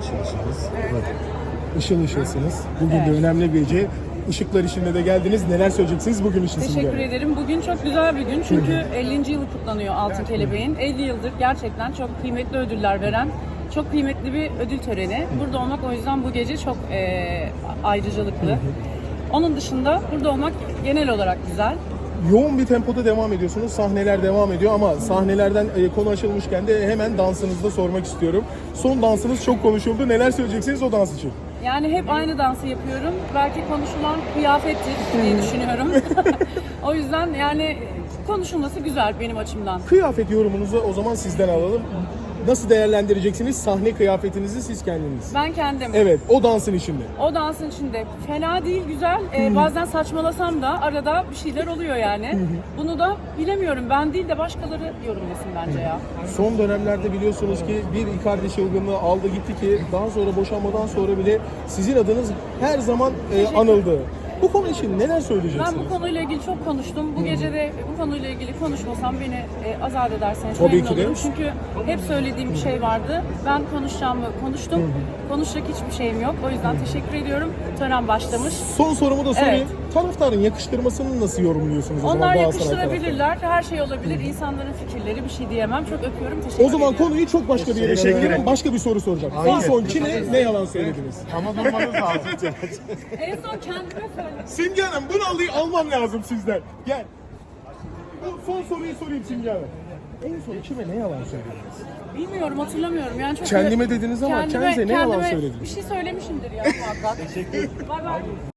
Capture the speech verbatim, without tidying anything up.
ışıl ışılız. Evet. Işıl ışılsınız. Bugün Evet. de önemli bir gece. Işıklar işinde de geldiniz. Neler söyleyeceksiniz bugün için Simge Teşekkür Hanım? ederim. Bugün çok güzel bir gün çünkü ellinci yılı kutlanıyor Altın Kelebeğin. elli yıldır gerçekten çok kıymetli ödüller veren, çok kıymetli bir ödül töreni. Burada olmak o yüzden bu gece çok e, ayrıcalıklı. Onun dışında burada olmak genel olarak güzel. Yoğun bir tempoda devam ediyorsunuz. Sahneler devam ediyor ama sahnelerden e, konu açılmışken de hemen dansınızı da sormak istiyorum. Son dansınız çok konuşuldu. Neler söyleyeceksiniz o dans için? Yani hep aynı dansı yapıyorum. Belki konuşulan kıyafettir diye düşünüyorum. O yüzden yani konuşulması güzel benim açımdan. Kıyafet yorumunuzu o zaman sizden alalım. Nasıl değerlendireceksiniz sahne kıyafetinizi siz kendiniz? Ben kendim. Evet, o dansın içinde. O dansın içinde fena değil, güzel. Ee, bazen saçmalasam da arada bir şeyler oluyor yani. Bunu da bilemiyorum. Ben değil de başkaları yorumlasın bence ya. Son dönemlerde biliyorsunuz ki bir Icardi çılgınlığı aldı gitti ki daha sonra boşanmadan sonra bile sizin adınız her zaman e, anıldı. Bu konu için neler söyleyeceksiniz? Ben bu konuyla ilgili çok konuştum. Bu gece de bu konuyla ilgili konuşmasam beni e, azat ederseniz Tabii memnun ki de. olurum. Çünkü hep söylediğim bir şey vardı. Ben konuşacağımı konuştum. Konuşacak hiçbir şeyim yok. O yüzden teşekkür ediyorum. Tören başlamış. Son sorumu da sorayım. Evet. Taraftarın yakıştırmasını nasıl yorumluyorsunuz o zaman Onlar Galatasaray yakıştırabilirler. Her şey olabilir. İnsanların fikirleri, bir şey diyemem. Çok öpüyorum. Teşekkür O zaman ediyorum. konuyu çok başka bir yere Teşekkür çeviriyorum. ederim. Başka bir soru soracağım. En Aynen. son kime ne yalan söylediniz? Ama durmanız lazım. En son kendime söyledim. Simge Hanım bunu alayım, almam lazım sizden. Gel. Bu son soruyu sorayım Simge Hanım. En son kime ne yalan söylediniz? Bilmiyorum, hatırlamıyorum. Yani çok Kendime dediniz ama kendinize ne yalan kendime söylediniz? Bir şey söylemişimdir ya muhakkak. Teşekkür ederim. Bay bay.